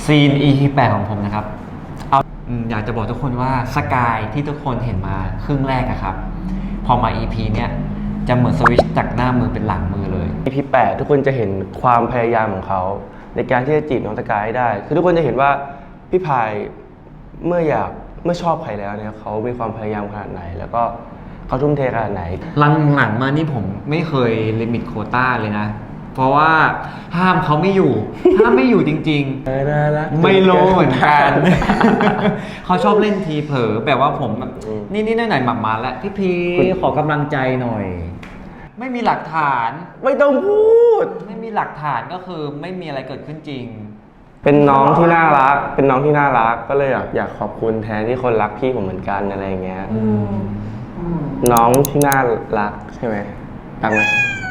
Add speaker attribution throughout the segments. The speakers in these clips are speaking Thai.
Speaker 1: ซีน EP 8ของผมนะครับเอาอยากจะบอกทุกคนว่าสกายที่ทุกคนเห็นมาครึ่งแรกอะครับพอมา EP เนี้ยจะเหมือนสวิตช์จากหน้ามือเป็นหลังมือเลย
Speaker 2: EP 8ทุกคนจะเห็นความพยายามของเขาในการที่จะจีบน้องสกายให้ได้คือทุกคนจะเห็นว่าพี่พายเมื่อชอบใครแล้วเนี่ยเขามีความพยายามขนาดไหน แล้วก็เขาทุ่มเทขนาดไหน
Speaker 1: หลังๆมานี่ผมไม่เคยลิมิตโควต้าเลยนะเพราะว่าห้ามเขาไม่อยู่จริงๆไม่รู้เหมือนกัน เขาชอบเล่นทีเผลอแบบว่าผมแบบนี่หน่อยๆหมักมาแล้วพี่พีขอกำลังใจหน่อยไม่มีหลักฐาน
Speaker 2: ไม่ต้องพูด
Speaker 1: ไม่มีหลักฐานก็คือไม่มีอะไรเกิดขึ้นจริง
Speaker 2: เป็นน้องที่น่ารักก็เลยอยากขอบคุณแทนที่คนรักพี่ผมเหมือนกันอะไรอย่างเงี้ยน้องที่น่ารักใช่ไหมตังไหม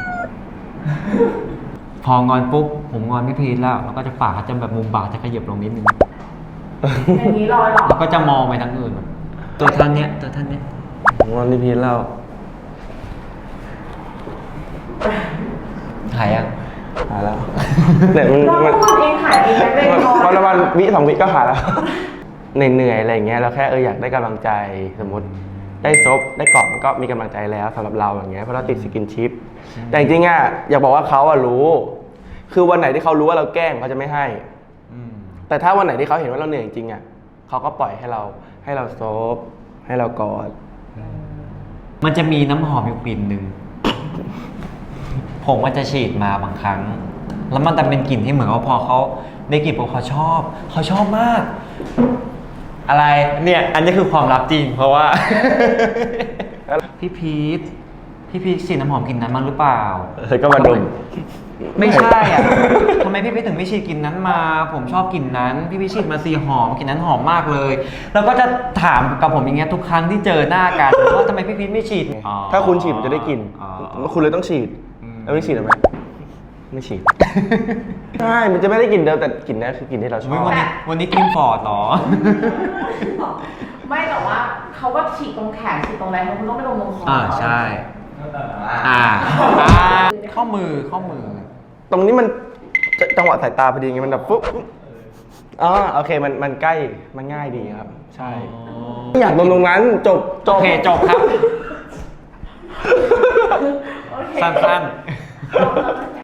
Speaker 1: พองอนปุ๊บผมงอนพี่พีทแล้วก็จะปากจะแบบมุมปากจะขยับลงนิดนึง
Speaker 3: อย่างนี้ลอยหรอ
Speaker 1: แล้วก็จะมองไปทางอื่นตัวท่านเนี้ย
Speaker 2: งอนพี่พีทแล้ว
Speaker 1: หายยัง
Speaker 2: หายแล้วแต่
Speaker 3: มันเองหายเองไม่ได้
Speaker 2: วันละวันวิ2 วิก็หายแล้วเหนื่อยอะไรอย่างเงี้ยเราแค่อยากได้กำลังใจสมมติได้ซบได้กอดมันก็มีกำลังใจแล้วสำหรับเราอย่างเงี้ยเพราะเราติดสกินชิปแต่จริงๆอ่ะอยากบอกว่าเขารู้คือวันไหนที่เขารู้ว่าเราแกล้งเขาจะไม่ให้แต่ถ้าวันไหนที่เขาเห็นว่าเราเหนื่อยจริงๆอ่ะเขาก็ปล่อยให้เราซบให้เรากอด
Speaker 1: มันจะมีน้ำหอมอยู่กลิ่นหนึ่งผมก็จะฉีดมาบางครั้งแล้วมันจะเป็นกลิ่นที่เหมือนว่าพอเขาได้กลิ่นปุ๊บเขาชอบมากอะไรเนี่ยอันนี้คือความลับจริงเพราะว่า พี่พีทฉีดน้ำหอมกลิ่นนั้นมั้งหรือเปล่า
Speaker 2: ก็มาดม
Speaker 1: ไม่ใช่อ่ะทำไมพี่พีทถึงไม่ฉีดกลิ่นนั้นมาผมชอบกลิ่นนั้นพี่พีทฉีดมาสีหอมกลิ่นนั้นหอมมากเลยแล้วก็จะถามกับผมอย่างเงี้ยทุกครั้งที่เจอหน้ากันว่าทำไมพี่พีทไม่ฉีด
Speaker 2: ถ้าคุณฉีดมันจะได้กลิ่นคุณเลยต้องฉีดแล้วไม่ฉีดหรอไหมไม่ฉีดใช่มันจะไม่ได้กลิ่นเดิมแต่กลิ่นนี้คือกลิ่นที่เราชอบ
Speaker 1: วันนี้กินฟอร์ดหรอ
Speaker 3: ไม่แต่ว่าเขาก็ฉีดตรงแขนฉีดตรงอะไรเขาต้องไปลงคอ
Speaker 1: ใช่ข้อมือ
Speaker 2: ตรงนี้มันจังหวะสายตาพอดีไงมันแบบปุ๊บโอเคมันใกล้มันง่ายดีครับใช่อยากตรงนั้นจบ
Speaker 1: โอเคจบครับสั้นๆ